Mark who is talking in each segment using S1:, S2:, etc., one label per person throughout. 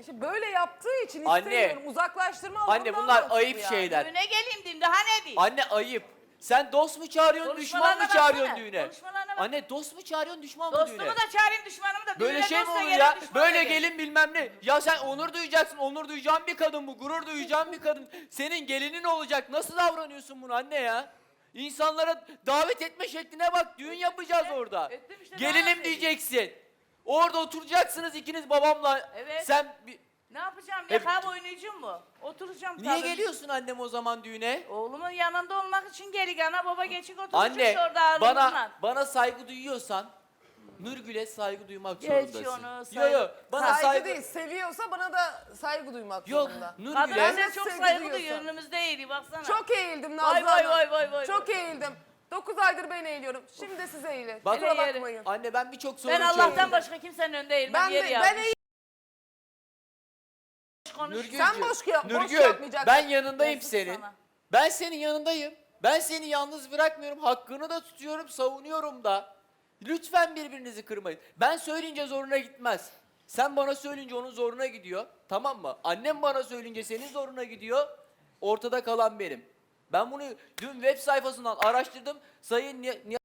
S1: İşte böyle yaptığı için
S2: Anne.
S1: istemiyorum. Uzaklaştırma
S2: Anne
S1: alanından
S2: bunlar
S1: dolayı
S2: ayıp
S1: yani.
S2: şeyler.
S3: Düğüne geleyim diyeyim daha ne diyeyim?
S2: Anne ayıp. Sen dost mu çağırıyorsun, düşman mı
S3: Konuşmalarına
S2: çağırıyorsun
S3: baksana,
S2: düğüne?
S3: konuşmalarına bak.
S2: Anne dost mu çağırıyorsun, düşman mı
S3: Dostumu
S2: düğüne?
S3: da çağırayım düşmanımı da.
S2: Böyle
S3: Düğüne
S2: şey mi
S3: dostla
S2: olur
S3: gelin,
S2: ya?
S3: düşman
S2: Böyle
S3: da gelin.
S2: gelin bilmem ne. Ya sen onur duyacaksın, onur duyacağın bir kadın bu. Gurur duyacağın bir kadın. Senin gelinin olacak. Nasıl davranıyorsun bunu anne ya? İnsanlara davet etme şekline bak. Düğün yapacağız orada.
S3: ettim işte,
S2: Gelinim
S3: davet
S2: diyeceksin. Orada oturacaksınız ikiniz babamla.
S3: Evet.
S2: Sen
S3: Ne yapacağım?
S2: Hep-
S3: Yakab oynayacağım mı? Oturacağım
S2: niye
S3: tabii.
S2: geliyorsun annem o zaman düğüne?
S3: Oğlumun yanında olmak için gelik ana baba geçik oturacağız
S2: Anne
S3: orada ağrımızla.
S2: bana saygı duyuyorsan Nurgül'e saygı duymak
S3: Geç
S2: zorundasın.
S3: onu,
S2: Yo yo
S3: saygı-
S2: bana
S1: Saygı değil, seviyorsa bana da saygı duymak
S2: Yok
S1: zorunda.
S3: Kadına
S2: Nurgül'e
S3: sen çok
S1: Saygı
S3: saygı
S1: duyuyorsun.
S3: duyuyor önümüzde eğri baksana.
S1: Çok eğildim Nazlı
S3: Vay, vay,
S1: Hanım.
S3: vay, vay, vay,
S1: Çok
S3: vay.
S1: eğildim. 9 aydır ben eğiliyorum. Şimdi de siz eğilin.
S2: Bak-
S1: Kusura
S3: Hele yeri.
S1: bakmayın.
S2: anne ben birçok sorun
S3: Ben Allah'tan
S2: çözdüm.
S3: başka kimsenin önünde eğilmem.
S1: Ben
S3: Yeri
S1: de,
S3: yazmış.
S1: ben eğil.
S2: Nurgül'cüğüm,
S1: Sen boş
S2: Nurgül,
S1: yapmayacaksın.
S2: ben yanındayım
S3: Yazık
S2: senin.
S3: sana.
S2: Ben senin yanındayım. Ben seni yalnız bırakmıyorum. Hakkını da tutuyorum, savunuyorum da. Lütfen birbirinizi kırmayın. Ben söyleyince zoruna gitmez. Sen bana söyleyince onun zoruna gidiyor. Tamam mı? Annem bana söyleyince senin zoruna gidiyor. Ortada kalan benim. Ben bunu dün web sayfasından araştırdım. Sayın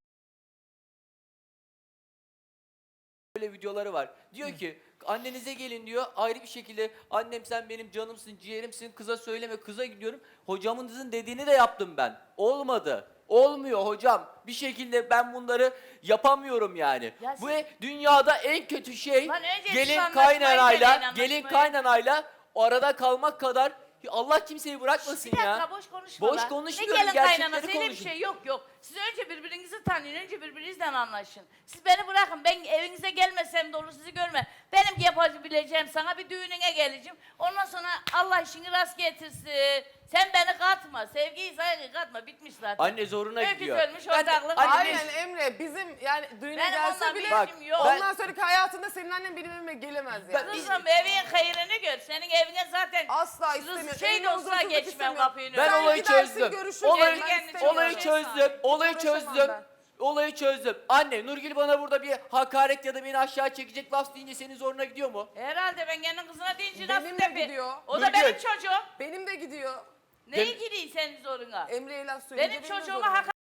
S2: böyle videoları var. Diyor ki annenize gelin diyor ayrı bir şekilde annem sen benim canımsın ciğerimsin kıza söyleme kıza gidiyorum. Hocamınızın dediğini de yaptım ben. Olmadı. Olmuyor hocam. Bir şekilde ben bunları yapamıyorum yani.
S3: Ya
S2: Bu
S3: siz-
S2: dünyada en kötü şey
S3: Lan önce
S2: gelin
S3: siz anlaşmayı deneyin,
S2: kaynanayla gelin
S3: anlaşmayı.
S2: kaynanayla o arada kalmak kadar Allah kimseyi bırakmasın
S3: Bir dakika
S2: ya.
S3: boş konuşma
S2: Boş
S3: lan.
S2: konuşmuyorum,
S3: Ne gelin
S2: gerçekleri
S3: kaynanası öyle bir
S2: konuşun.
S3: şey yok yok. Siz önce birbirinizi tanıyın, önce birbirinizden anlaşın. Siz beni bırakın, ben evinize gelmesem de olur sizi görme. Benim yapabileceğim sana bir düğününe geleceğim. Ondan sonra Allah işini rast getirsin. Sen beni katma, sevgiyi saygıyı katma, bitmiş zaten.
S2: Anne zoruna
S3: Öykü
S2: gidiyor.
S3: ölmüş,
S2: Ben de-
S3: ortaklık.
S2: Anne,
S1: Aynen Emre bizim yani düğüne
S3: Benim
S1: gelse
S3: onunla
S1: bile
S3: bir
S2: Bak,
S3: işim yok.
S2: ben-
S1: ondan sonraki hayatında senin annen benim evime gelemez yani.
S3: Kızım evin hayrını gör. Senin evine zaten
S1: Asla
S3: sırası
S1: istemiyorum.
S3: şey de
S1: Evine
S3: olsa
S1: huzursuzluk
S3: geçmem
S1: istemiyorum.
S3: kapıyı.
S2: Ben
S1: Sen
S2: olayı
S1: gidersin,
S2: çözdüm.
S1: görüşürüz.
S2: Olayı,
S1: Ben
S3: kendini
S1: istemiyorum.
S2: olayı çözdüm. Olayı
S1: Uğraşamam
S2: çözdüm.
S1: ben.
S2: Olayı çözdüm. Anne Nurgül bana burada bir hakaret ya da beni aşağı çekecek laf deyince senin zoruna gidiyor mu?
S3: Herhalde ben kendi kızına deyince
S1: Benim
S3: nasıl
S1: de
S3: tepi?
S1: gidiyor.
S3: O da
S2: Nurgül.
S3: benim çocuğum.
S1: Benim de gidiyor.
S3: Neyi gireyim senin zoruna?
S1: Emre'ye laf söyleyince
S3: Benim
S1: de
S3: çocuğuma
S1: zorunda.
S3: hakaret.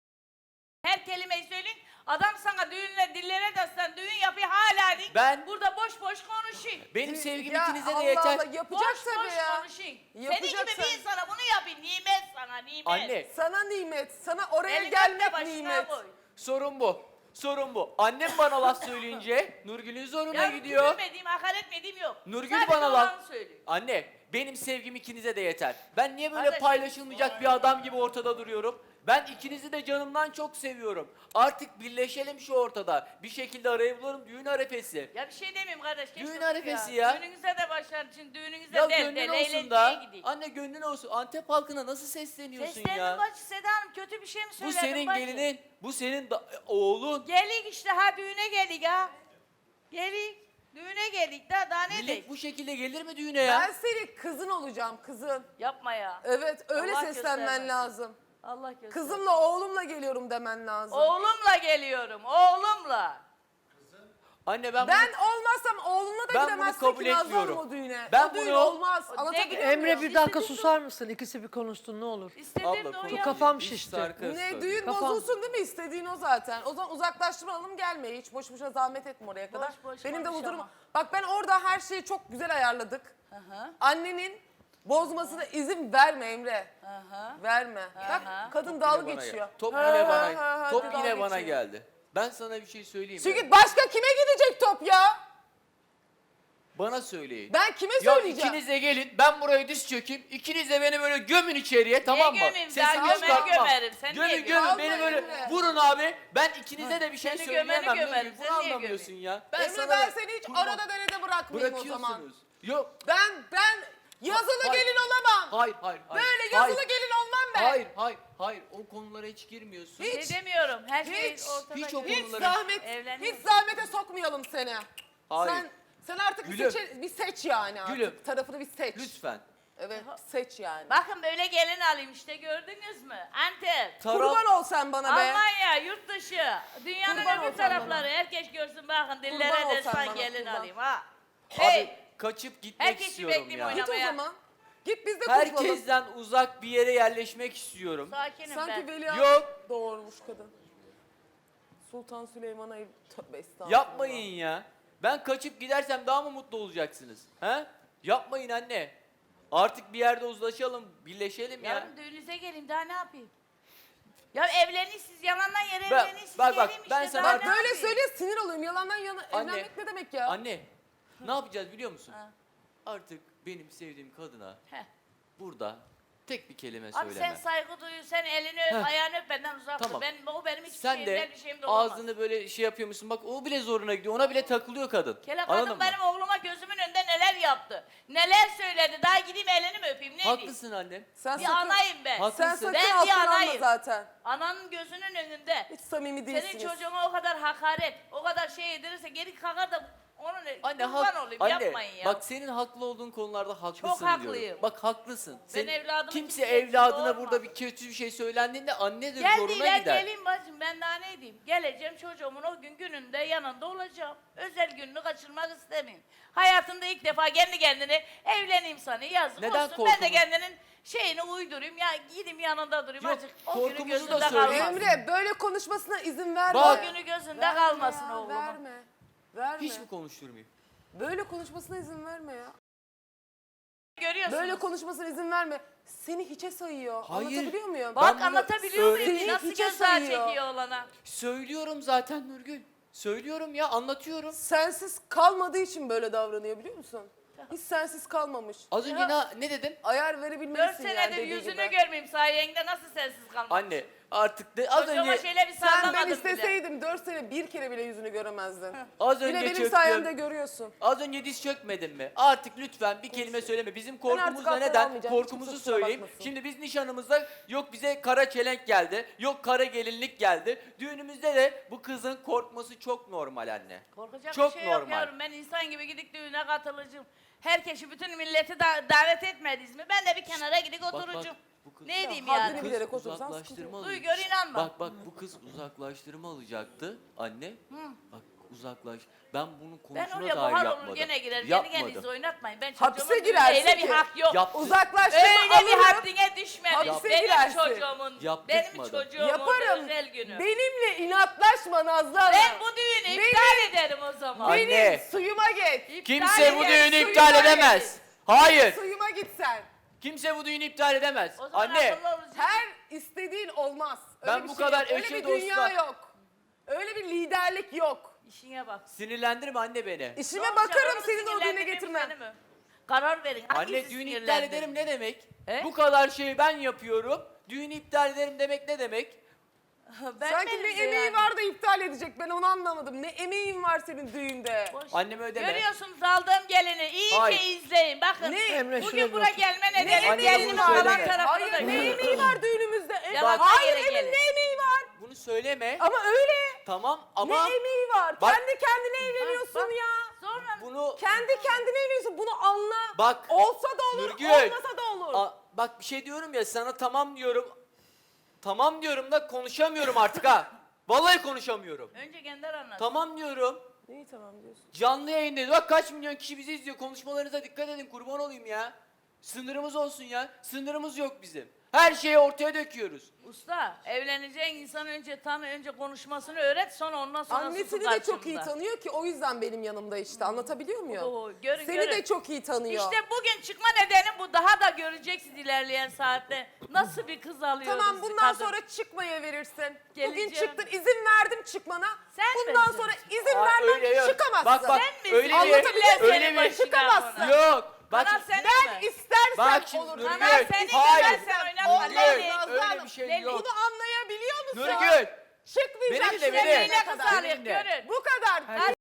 S3: Her kelimeyi söyleyin. Adam sana düğünle dillere destan düğün yapıyor hala değil.
S2: Ben-
S3: burada boş boş konuşayım.
S2: Benim sevgim
S1: Ya
S2: ikinize de
S1: Allah
S2: yeter.
S1: Allah, yapacak
S3: Boş
S1: tabii
S3: boş
S1: ya.
S3: konuşayım. Senin
S1: Yapacak
S3: gibi bir
S1: tabii.
S3: insana bunu yapayım. Nimet sana nimet.
S2: Anne
S1: Sana nimet, sana oraya
S3: Elinden de
S1: gelmek
S3: başına
S1: nimet.
S3: koy.
S2: sorun bu. Sorun bu. Annem bana laf söyleyince Nurgül'ün zoruna
S3: Ya
S2: gidiyor.
S3: küfürmediğim, hakaret etmediğim yok.
S2: Nurgül
S3: Sadece
S2: bana laf...
S3: olanı söylüyor.
S2: Anne benim sevgim ikinize de yeter. Ben niye böyle
S3: Kardeşim,
S2: paylaşılmayacak bir adam gibi ortada duruyorum? Ben ikinizi de canımdan çok seviyorum. Artık birleşelim şu ortada. Bir şekilde araya bulalım düğün arefesi.
S3: Ya bir şey demeyeyim kardeş. geç
S2: Düğün
S3: otur
S2: arefesi ya.
S3: Düğününüze de başlar için düğününüze
S2: Ya
S3: del
S2: gönlün
S3: del
S2: olsun
S3: eğlenceye
S2: da.
S3: gideyim.
S2: Anne gönlün olsun. Antep halkına nasıl sesleniyorsun
S3: Seslendim
S2: ya?
S3: bacı Seda Hanım kötü bir şey mi
S2: Bu
S3: söyledim
S2: senin
S3: bacı?
S2: gelinin, bu senin oğlun.
S3: Gelik işte ha düğüne gelik ha. Gelik. Düğüne gelik daha ne
S2: Millet
S3: diyeyim?
S2: bu şekilde gelir mi düğüne ya?
S1: Ben senin kızın olacağım, kızın.
S3: Yapma ya.
S1: Evet, öyle
S3: Allah
S1: seslenmen
S3: göstermesin.
S1: lazım.
S3: Allah göster.
S1: Kızımla oğlumla geliyorum demen lazım.
S3: Oğlumla geliyorum oğlumla.
S2: Anne ben,
S1: Ben
S2: bunu,
S1: olmazsam oğlumla da
S2: Ben bunu
S1: gidemezsin
S2: kabul
S1: ki Nazlı
S2: etmiyorum.
S1: Hanım o düğüne.
S2: Ben
S1: o düğün
S2: bunu-
S1: olmaz.
S3: O
S1: Anlatabiliyor
S3: ne-
S1: muyum?
S4: Emre bir dakika
S3: İstediğim
S4: susar mısın? İkisi bir konuşsun ne olur.
S3: İstediğim de o
S2: konuş.
S3: ya.
S4: Kafam
S2: Hiç
S4: şişti.
S2: sarkı
S1: Ne
S2: sarkı.
S1: düğün
S4: Kafam-
S1: bozulsun değil mi? İstediğin o zaten. O zaman uzaklaştırma alalım gelme. Hiç boş boşuna zahmet etme oraya kadar.
S3: boş
S1: Benim de
S3: konuşamam.
S1: huzurum. Bak ben orada her şeyi çok güzel ayarladık.
S3: Hı.
S1: Annenin bozmasına izin verme Emre.
S3: Aha.
S1: Verme. Bak kadın
S2: Yine
S1: dalga
S2: bana
S1: geçiyor.
S2: geldi. Top
S1: Ha,
S2: yine
S1: ha,
S2: bana,
S1: ha,
S2: top
S1: dalga
S2: yine bana
S1: geçiyor.
S2: geldi. Ben sana bir şey söyleyeyim mi?
S1: Çünkü başka kime gidecek top ya?
S2: Bana söyleyin.
S1: Ben kime
S2: Ya
S1: söyleyeceğim?
S2: ikiniz de gelin, ben buraya diz çökeyim. İkiniz de beni böyle gömün içeriye, tamam mı?
S3: gömeyim?
S2: Sesimi
S3: Ben gömeni
S2: çıkartmam.
S3: gömerim, sen niye
S2: Gömün
S3: gömüyorsun?
S2: gömün, beni
S1: Vallahi
S2: böyle
S1: Emre.
S2: vurun abi. Ben ikinize de bir şey
S3: Seni
S2: söyleyemem.
S3: gömeni gömerim,
S2: Nurgül,
S3: sen
S2: bunu
S3: niye
S2: anlamıyorsun ya.
S1: Emre
S2: sana
S1: ben
S2: da-
S1: seni hiç
S2: Kurban-
S1: arada derede bırakmayayım o zaman.
S2: Bırakıyorsunuz. Yok.
S1: Ben yazılı
S2: Hayır.
S1: gelin olamam.
S2: Hayır.
S1: Böyle yazılı
S2: hayır.
S1: gelin olmam ben.
S2: Hayır. O konulara hiç girmiyorsun.
S3: Şey demiyorum. Her şey
S1: Hiç,
S3: ortada.
S2: hiç o
S3: gibi.
S1: Hiç
S2: konuları-
S1: zahmet,
S3: Evleniyoruz.
S1: hiç zahmete sokmayalım seni.
S2: Hayır.
S1: Sen artık
S2: Gülüm.
S1: bir seç yani artık.
S2: Gülüm.
S1: Tarafını bir seç.
S2: Lütfen.
S1: Evet seç yani.
S3: Bakın böyle gelin alayım işte gördünüz mü? Antep.
S1: Kurban ol sen bana be.
S3: Almanya, yurt dışı, dünyanın
S1: Kurban
S3: öbür
S1: ol sen
S3: tarafları herkes görsün bakın dillere
S1: Kurban ol sen
S3: destan
S1: bana,
S3: gelin
S1: kurban.
S3: alayım ha. Hey,
S2: kaçıp gitmek
S3: Herkesi
S2: istiyorum
S3: bekleyeyim
S2: ya.
S3: oynamaya.
S1: Git o zaman. Git biz de kurtulalım.
S2: Herkesten uzak bir yere yerleşmek istiyorum.
S3: Sakinim
S1: Sanki
S3: ben.
S1: Veliaht
S2: Yok.
S1: doğurmuş kadın. Sultan Süleyman'a tövbe estağfurullah.
S2: Yapmayın ya. Ben kaçıp gidersem daha mı mutlu olacaksınız? He? Yapmayın anne. Artık bir yerde uzlaşalım, birleşelim ya.
S3: Yarın düğünüze geleyim daha ne yapayım? Ya evlenin siz yalandan yere
S2: Bak,
S3: evlenin siz
S2: bak,
S3: geleyim
S2: ben
S3: işte
S2: sana-
S3: daha
S1: Bak
S3: ne
S1: böyle
S3: yapayım?
S1: söyle sinir oluyorum. Yalandan yana
S2: Anne.
S1: evlenmek ne demek ya?
S2: Anne, ne yapacağız biliyor musun?
S3: Ha.
S2: Artık benim sevdiğim kadına
S3: Heh.
S2: burada tek bir kelime
S3: Abi
S2: söyleme.
S3: sen saygı duyu, sen elini öp,
S2: Heh.
S3: ayağını öp benden uzak dur.
S2: Tamam.
S3: O benim hiçbir
S2: Sen
S3: şeyimden
S2: de
S3: bir şeyim de olamaz.
S2: ağzını böyle şey yapıyormuşsun. Bak o bile zoruna gidiyor. Ona bile takılıyor kadın.
S3: Kele
S2: Anladın
S3: kadın
S2: mı?
S3: benim oğluma gözümün önünde neler yaptı. Neler söyledi. Daha gideyim elini mi öpeyim ne diyeyim?
S2: Haklısın annem.
S1: Sen
S3: Bir
S1: sakın,
S3: anayım ben.
S2: Haklısın.
S1: sen sakın
S3: Ben bir
S1: alttan alma
S3: anayım.
S1: zaten.
S3: Ananın gözünün önünde.
S1: Hiç samimi
S3: Senin
S1: değilsiniz.
S3: çocuğuna o kadar hakaret, o kadar şey yedirirse geri kalkar da onun
S2: Anne,
S3: kurban olayım
S2: anne,
S3: yapmayın ya.
S2: bak senin haklı olduğun konularda haklısın
S3: Çok
S2: diyorum.
S3: haklıyım.
S2: Bak haklısın.
S3: Ben evladımın
S2: kimse
S3: kimseye
S2: evladına
S3: doğurmam.
S2: burada bir kötü bir şey söylendiğinde annedir
S3: Gel
S2: zoruna
S3: diler
S2: gider.
S3: geleyim bacım ben daha ne diyeyim. Geleceğim çocuğumun o gün gününde yanında olacağım. Özel gününü kaçırmak istemeyeyim. Hayatımda ilk defa kendi kendine evleneyim sana yazık
S2: Neden
S3: olsun. Ben de
S2: korkunuz?
S3: kendinin şeyini uydurayım ya gideyim yanında durayım
S2: Yok,
S3: azıcık. O günü
S2: korkumuzu da
S3: gözünde
S2: söyleyeyim.
S3: kalmasın.
S1: Emre böyle konuşmasına izin verme.
S2: Bak.
S3: O günü gözünde
S1: Verme
S3: kalmasın
S1: ya,
S3: oğlumun.
S1: Verme. Verme.
S2: Hiç mi konuşturmayayım?
S1: Böyle konuşmasına izin verme ya.
S3: Görüyorsunuz.
S1: Böyle konuşmasına izin verme. Seni hiçe sayıyor.
S2: Hayır.
S1: Anlatabiliyor muyum?
S3: Bak
S2: bunu
S3: anlatabiliyor muyum?
S1: söyleyeyim,
S3: Nasıl
S1: hiçe
S3: gözler
S1: sayıyor.
S3: çekiyor olana.
S2: Söylüyorum zaten Nurgül. Söylüyorum ya anlatıyorum.
S1: Sensiz kalmadığı için böyle davranıyor biliyor musun? Hiç sensiz kalmamış.
S2: Az önce ne dedim?
S1: Ayar
S3: 4
S1: verebilmelisin yani
S3: senedir
S1: dediği
S3: yüzünü
S1: gibi.
S3: görmeyeyim sayende nasıl sensiz kalmak?
S2: Anne artık az
S3: Çocuğuma
S2: önce
S3: şöyle bir
S1: Sen ben
S3: sallamadım bile.
S1: isteseydim 4 sene bir kere bile yüzünü göremezdin.
S2: az
S1: Bile
S2: önce
S1: benim sayemde
S2: çöktüm.
S1: görüyorsun.
S2: Az önce diz çökmedin mi? Artık lütfen bir kelime söyleme. Bizim korkumuz
S1: artık
S2: da
S1: affet
S2: neden?
S1: almayacağım.
S2: Korkumuzu
S1: Hiç kusura
S2: söyleyeyim.
S1: bakmasın.
S2: Şimdi biz nişanımızda yok bize kara çelenk geldi. Yok kara gelinlik geldi. Düğünümüzde de bu kızın korkması çok normal anne.
S3: Korkacak
S2: Çok
S3: bir şey yok
S2: normal.
S3: yavrum. Ben insan gibi gidip düğüne katılacağım. Herkesi bütün milleti davet etmediniz mi? Ben de bir kenara gidip oturacağım.
S2: bu kız-
S3: Ne diyeyim
S1: haddini
S3: yani?
S1: bil- bilerek otursan sıkıntı
S2: uzaklaştırma
S1: yok.
S3: Duy
S2: alacak.
S3: gör inanma.
S2: Bak bu kız uzaklaştırma alacaktı anne. Bak uzaklaş. Ben bunun
S3: Ben
S2: konusuna
S3: oraya
S2: dair
S3: buhar
S2: yapmadım.
S3: olur gene girer. Kendi
S2: Yapmadım.
S3: kendinize oynatmayın. Ben
S1: Hapse
S3: çocuğumun
S1: girersin
S3: öyle bir
S1: ki.
S3: hak yok.
S2: Yaptım.
S1: Uzaklaştırma
S3: Öyle bir
S1: alırım.
S3: haddine düşmemiş.
S1: Hapse
S3: Benim
S1: girersin.
S3: çocuğumun, benim
S2: Yaptırmadım.
S3: çocuğumun
S1: Yaparım.
S3: özel günü.
S1: Benimle inatlaşma Nazlı Hanım.
S3: Ben bu düğünü iptal ederim o zaman.
S2: Anne.
S1: Benim suyuma git.
S3: İptal
S2: Kimse bu
S3: ederim.
S2: düğünü
S1: suyuma
S2: iptal
S1: git.
S2: edemez. Hayır.
S1: Suyuma git sen.
S2: Kimse bu düğünü iptal edemez.
S3: O zaman
S2: Anne.
S3: akıllı olacaksın.
S1: Her istediğin olmaz. Öyle
S2: Ben
S1: bir
S2: bu
S1: şey
S2: kadar
S1: yok. Öyle
S2: eşe
S1: bir dünya
S2: dostla-
S1: yok. Öyle bir liderlik yok.
S3: İşine bak.
S2: Sinirlendirme anne beni.
S1: İşime
S3: Ne olacak?
S1: bakarım
S3: Onu
S1: senin o düğüne
S3: sinirlendireyim
S1: getirmem.
S3: seni mi? Karar verin.
S2: Anne
S3: Hangisi
S2: düğünü iptal
S3: sinirlendirir?
S2: ederim ne demek?
S3: He?
S2: Bu kadar şeyi ben yapıyorum. Düğünü iptal ederim demek ne demek?
S3: Ben
S1: Sanki
S3: benim
S1: ne
S3: de
S1: emeği
S3: yani.
S1: var da iptal edecek ben onu anlamadım. Ne emeğin var senin düğünde?
S3: Boş.
S2: Anneme ödeme.
S3: Görüyorsunuz aldığım gelini. İyice
S2: Hayır.
S3: izleyin. Bakın.
S1: Ne?
S4: Emre, şuraya
S3: Bugün
S4: bir
S3: buraya
S4: otur.
S3: gelme
S1: Ne
S3: nedeni
S2: emeği
S3: gelinin
S2: var?
S3: falan
S2: Söyleme.
S3: tarafını
S1: Hayır
S3: da
S1: ne
S3: görün.
S1: emeği var düğünümüzde?
S3: Yalan
S1: Hayır
S3: yere
S1: Emin
S3: gelin.
S1: ne emeği var?
S2: Bunu söyleme.
S1: Ama öyle.
S2: Tamam ama
S1: Ne emeği var?
S2: Bak-
S1: Kendi kendine evleniyorsun
S3: bak.
S1: ya.
S3: Sonra
S2: bunu
S1: Kendi kendine evleniyorsun bunu anla.
S2: Bak,
S1: Olsa da olur
S2: Nurgül.
S1: olmasa da olur.
S2: bak bir şey diyorum ya sana tamam diyorum. Tamam diyorum da konuşamıyorum artık ha. Vallahi konuşamıyorum.
S3: önce Gender anlat.
S2: Tamam diyorum.
S1: Neyi tamam diyorsun?
S2: Canlı yayındayız. Bak kaç milyon kişi bizi izliyor. Konuşmalarınıza dikkat edin. Kurban olayım ya. Sınırımız olsun ya. Sınırımız yok bizim. Her şeyi ortaya döküyoruz.
S3: Usta evleneceğin insan önce tanı, önce konuşmasını öğret sonra ondan sonra
S1: Annesini
S3: susu
S1: de çok iyi
S3: karşımda.
S1: tanıyor ki o yüzden benim yanımda işte anlatabiliyor muyum?
S3: Oo, görün,
S1: Seni
S3: görün.
S1: de çok iyi tanıyor.
S3: İşte bugün çıkma nedeni bu. Daha da göreceksiniz ilerleyen saatte. Nasıl bir kız alıyoruz.
S1: Tamam bundan
S3: kadın.
S1: sonra çıkmaya verirsin. Bugün
S3: Geleceğim.
S1: çıktın izin verdim çıkmana.
S3: Sen
S1: bundan
S3: misin?
S1: sonra izin
S2: Aa,
S1: vermem
S2: öyle yok.
S1: çıkamazsın.
S2: Bak bak
S3: Sen misin?
S2: öyle
S1: Anlatabiliyor
S2: bir
S1: muyum?
S2: öyle bir
S1: Çıkamazsın.
S2: yok. Bak
S3: Kanal
S2: şimdi-
S3: senin
S1: Ben
S3: mi?
S1: istersen
S2: Bak şimdi
S1: olur.
S2: Nurgül.
S3: Kanal senin
S2: Hayır.
S3: de sen oynatma.
S1: Olmaz
S3: Leyli.
S1: Nazlı
S2: Öyle
S1: Hanım.
S2: bir şey
S3: Leyli.
S2: yok.
S1: Bunu anlayabiliyor musun?
S2: Nurgül.
S1: Çıkmayacaksın.
S2: Beni de, beni.
S3: Yine
S1: Ne
S3: kız
S1: kadar?
S3: alıyor
S2: Benimle.
S3: görün.
S1: Bu kadar.
S4: Herkes-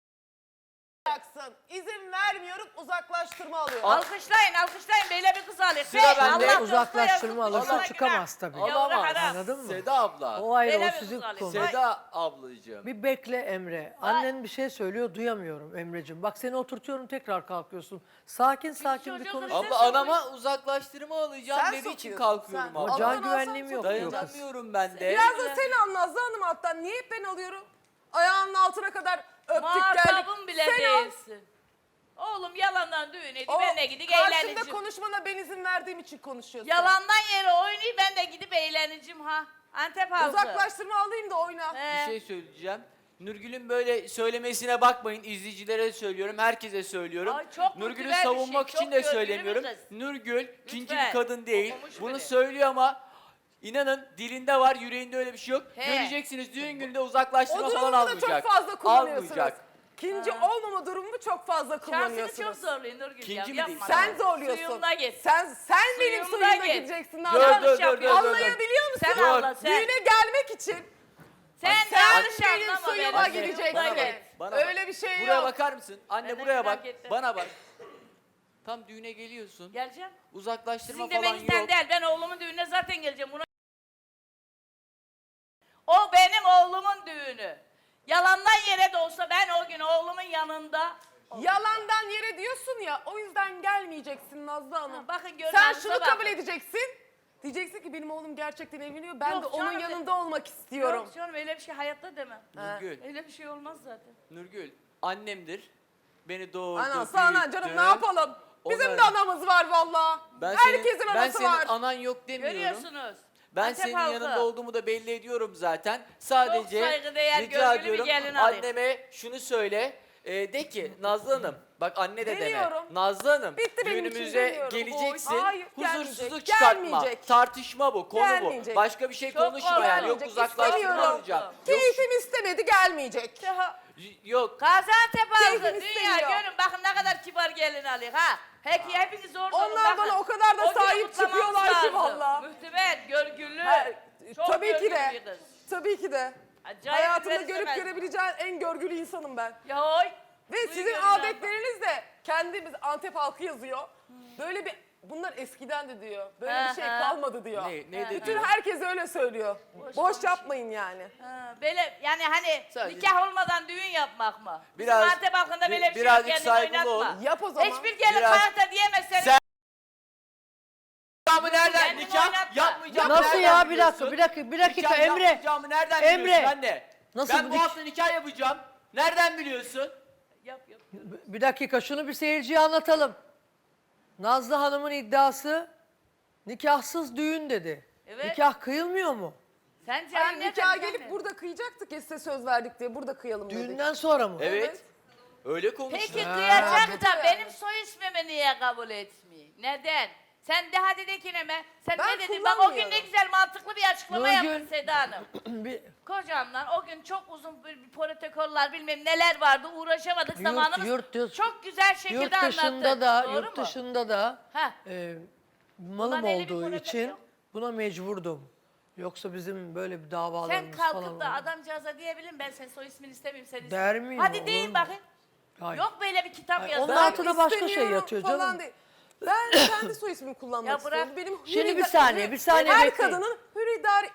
S1: İzin vermiyorum uzaklaştırma alıyor.
S3: Alkışlayın alkışlayın böyle bir kız alıyor.
S2: Sıra
S3: Hey,
S2: bende.
S3: Allah
S4: Uzaklaştırma
S3: dostuna
S4: alırsa
S3: yazık,
S4: çıkamaz
S3: günah.
S4: tabii.
S3: Yavru
S2: Alamaz.
S3: haram.
S4: Anladın mı?
S2: Seda abla.
S4: O ayrı,
S3: Böyle
S4: o
S3: bir
S4: sizin
S3: kız
S4: konu.
S3: alayım.
S2: Seda ablacığım.
S4: Bir bekle Emre. Annen bir şey söylüyor, duyamıyorum Emre'cim. Bak seni oturtuyorum, tekrar kalkıyorsun. Sakin sakin bir
S3: çocuğu
S4: konuş.
S3: kıracağız.
S2: Abla anama uzaklaştırma alacağım
S1: Sen
S2: dediği için
S1: sokuyorsun,
S2: kalkıyorum
S1: sen.
S2: abla.
S4: Ama can
S1: Allah'ın
S4: güvenliğim
S1: alsan
S4: yok
S1: çok
S4: diyor kız.
S2: Dayanamıyorum ben de.
S1: Biraz da sen an Nazlı Hanım alttan. Niye hep ben alıyorum? Ayağının altına kadar öptük geldik.
S3: Muhatabım bile
S1: Sen al.
S3: değilsin. Oğlum yalandan düğün ediyor.
S1: O
S3: Ben de gidip
S1: karşımda
S3: eğleneceğim.
S1: konuşmana ben izin verdiğim için konuşuyorsun.
S3: Yalandan yere oynuyor. Ben de gidip eğleneceğim ha. Antep halkı.
S1: Uzaklaştırma alayım da oyna.
S2: Bir şey söyleyeceğim. Nurgül'ün böyle söylemesine bakmayın. İzleyicilere de söylüyorum, herkese söylüyorum.
S3: Ay, çok
S2: Nurgül'ü
S3: güzel bir
S2: savunmak
S3: şey,
S2: için
S3: çok
S2: de
S3: görgülü
S2: söylemiyorum.
S3: bir kız.
S2: Nurgül ikinci
S3: Lütfen.
S2: bir kadın değil.
S3: Okumuş
S2: Bunu
S3: biri.
S2: söylüyor ama inanın dilinde var, yüreğinde öyle bir şey yok.
S3: He.
S2: Göreceksiniz düğün gününde
S1: O
S2: uzaklaştırma falan
S1: durumu da
S2: almayacak.
S1: çok fazla kullanıyorsunuz.
S2: Almayacak.
S1: İkinci olmama durumunu çok fazla
S3: Şansını
S1: kullanıyorsunuz.
S3: çok zorluyor Nurgül
S2: İkinci
S3: ya.
S2: mi
S3: Yapma.
S2: değil?
S1: Sen zorluyorsun.
S3: Suyumda git.
S1: Sen benim
S3: Suyumda
S1: suyumda
S3: git.
S1: gideceksin.
S2: Dur,
S1: Anladın
S2: dur,
S1: mı?
S2: dur, dur, dur.
S1: Anlayabiliyor musun?
S3: Sen
S2: Dur.
S3: Allah sen.
S1: Düğüne gelmek için
S3: Sen
S1: sen
S3: yanlış
S1: benim
S3: anlama beni.
S1: suyuma
S2: Anne,
S1: gideceksin.
S2: bana bak, bana bak.
S1: Öyle bir şey
S2: Buraya
S1: yok.
S2: bakar mısın? Anne
S3: Ben de
S2: buraya bak.
S3: merak ettim.
S2: Bana bak. Tam düğüne geliyorsun.
S3: Geleceğim.
S2: Uzaklaştırma
S3: Sizin
S2: falan
S3: demenizden
S2: yok.
S3: değil. Ben oğlumun düğününe zaten geleceğim. O benim oğlumun düğünü. Yalandan yere de olsa ben o gün oğlumun yanında.
S1: Yalandan yere diyorsun ya, o yüzden gelmeyeceksin Nazlı Hanım.
S3: Ha, bakın
S1: Sen
S3: görünüşe
S1: şunu
S3: bakın.
S1: kabul edeceksin. Diyeceksin ki benim oğlum gerçekten evleniyor. Ben
S3: Yok
S1: de onun
S3: canım,
S1: yanında olmak istiyorum.
S3: Yok canım öyle bir şey hayatta demem.
S2: Nurgül,
S3: Öyle bir şey olmaz zaten.
S2: Nurgül annemdir. Beni doğurdu,
S1: Anası anan
S2: büyüttü.
S1: canım, ne yapalım? Bizim
S2: Onları-
S1: de anamız var valla. Herkesin
S2: ben
S1: anası
S2: senin
S1: var.
S2: anan yok demiyorum.
S3: Görüyorsunuz.
S2: Ben
S3: Antep
S2: senin
S3: halkı.
S2: yanında olduğumu da belli ediyorum zaten. Sadece
S3: saygıdeğer,
S2: rica
S3: görgülü bir
S2: ediyorum
S3: gelin alayım.
S2: anneme şunu söyle. De ki Nazlı Hanım, bak anne de deme.
S1: Demiyorum.
S2: Nazlı Hanım,
S1: Bitti benim için,
S2: düğünümüze
S1: demiyorum.
S2: geleceksin.
S1: Hayır,
S2: Huzursuzluk
S1: gelmeyecek,
S2: çıkartma.
S1: gelmeyecek.
S2: Tartışma bu, konu
S1: Gelmeyecek.
S2: bu. Başka bir şey
S3: Çok
S2: konuşma yani. Yok
S1: Gelmeyecek,
S2: uzaklaştırma
S1: istemiyorum.
S2: alacağım. Yok,
S1: Keyfim istemedi, gelmeyecek.
S2: yok.
S3: Gaziantep halkı
S1: Keyfim
S3: dünya
S1: istemiyor.
S3: görün bakın ne kadar kibar gelin alıyor ha. Hepiniz orada olun,
S1: Onlar
S3: bakın.
S1: bana o kadar da
S3: O günü
S1: sahip
S3: kutlamamız
S1: çıkıyorlar ki
S3: lazım.
S1: valla.
S3: Mühtümet, görgülü. Çok
S1: Tabii ki
S3: görgülü
S1: de.
S3: bir kız.
S1: Tabii ki de.
S3: Acayip
S1: Hayatımda
S3: güzel
S1: görüp
S3: istemez.
S1: görebileceğin en görgülü insanım ben.
S3: Ya oy.
S1: Ve
S3: Suyu
S1: sizin
S3: görün
S1: adetleriniz de kendimiz Antep halkı yazıyor. Böyle bir bunlar eskiden de diyor. Böyle bir şey
S3: Aha.
S1: kalmadı diyor.
S2: Ne
S1: Bütün
S2: diyor?
S1: herkes öyle söylüyor. Boş yapmayın yani.
S3: Ha, böyle yani hani
S2: Sadece-
S3: nikah olmadan düğün yapmak mı?
S2: Biraz-
S3: Bizim Antep halkında böyle bir şey yok,
S2: birazcık
S3: kendini
S2: saygılı
S3: oynatma.
S2: ol.
S1: Yap o zaman.
S3: Hiçbir gelin
S2: Biraz-
S3: hayatta diyemezseniz.
S2: Sen- Nikahımı nereden?
S3: Kendini
S2: Nikah
S3: oynatma.
S2: yapmayacağım.
S4: Nasıl
S2: nereden
S4: ya? Bir
S2: biliyorsun?
S4: dakika, bir dakika
S2: Nikah
S4: Emre.
S2: yapmayacağımı nereden
S4: Emre.
S2: biliyorsun anne?
S4: Nasıl
S2: Ben bu
S4: nik-
S2: hafta nikah yapacağım. Nereden biliyorsun?
S3: Yap.
S4: Bir dakika şunu bir seyirciye anlatalım. Nazlı Hanım'ın iddiası nikahsız düğün dedi.
S3: Evet.
S4: Nikah kıyılmıyor mu?
S3: Sence
S1: Hayır,
S3: anne
S1: nikaha
S3: de-
S1: gelip burada kıyacaktık ya, size söz verdik diye burada kıyalım dedik.
S4: Düğünden sonra mı?
S2: Evet. Öyle konuştu.
S3: Peki
S4: Ha.
S3: kıyacak da
S1: Yani.
S3: benim soy ismimi niye kabul etmiyor? Neden? Sen de hadi de ki ne be? Sen
S1: Ben
S3: ne dedin? Bak o gün ne
S1: kullanmıyorum.
S3: güzel mantıklı bir açıklama
S4: Nurgül.
S3: yaptın Seda Hanım.
S4: Bir-
S3: Kocamla o gün çok uzun bir protokoller bilmem neler vardı uğraşamadık zamanımız. Çok güzel şekilde
S4: Yurt
S3: anlattı.
S4: dışında da,
S3: Doğru
S4: yurt
S3: mu?
S4: dışında da
S3: Ha.
S4: malım
S3: Bundan elli bir
S4: olduğu
S3: para
S4: için
S3: yok.
S4: buna mecburdum. Yoksa bizim böyle bir
S3: Sen
S4: davalarımız falan
S3: kalkıp da
S4: oldu.
S3: adamcağıza diyebilirim ben senin soy ismini istemiyorum seni
S4: Der
S3: istemiyorum.
S4: miyim,
S3: Hadi
S4: olur
S3: deyin
S4: mu?
S3: bakayın.
S4: Hayır.
S3: Yok böyle bir kitap
S4: Hayır,
S3: yazın.
S4: onun altında başka şey
S1: İstemiyorum
S4: yatıyor
S1: falan
S4: canım.
S1: değil. Ben kendi soy ismimi kullanmak
S3: Ya bırak.
S1: istiyorum. Benim
S4: Şimdi
S1: hür
S4: bir
S1: ida-
S4: saniye, bir saniye
S1: Her
S4: bekleyin.
S1: kadının hür irade,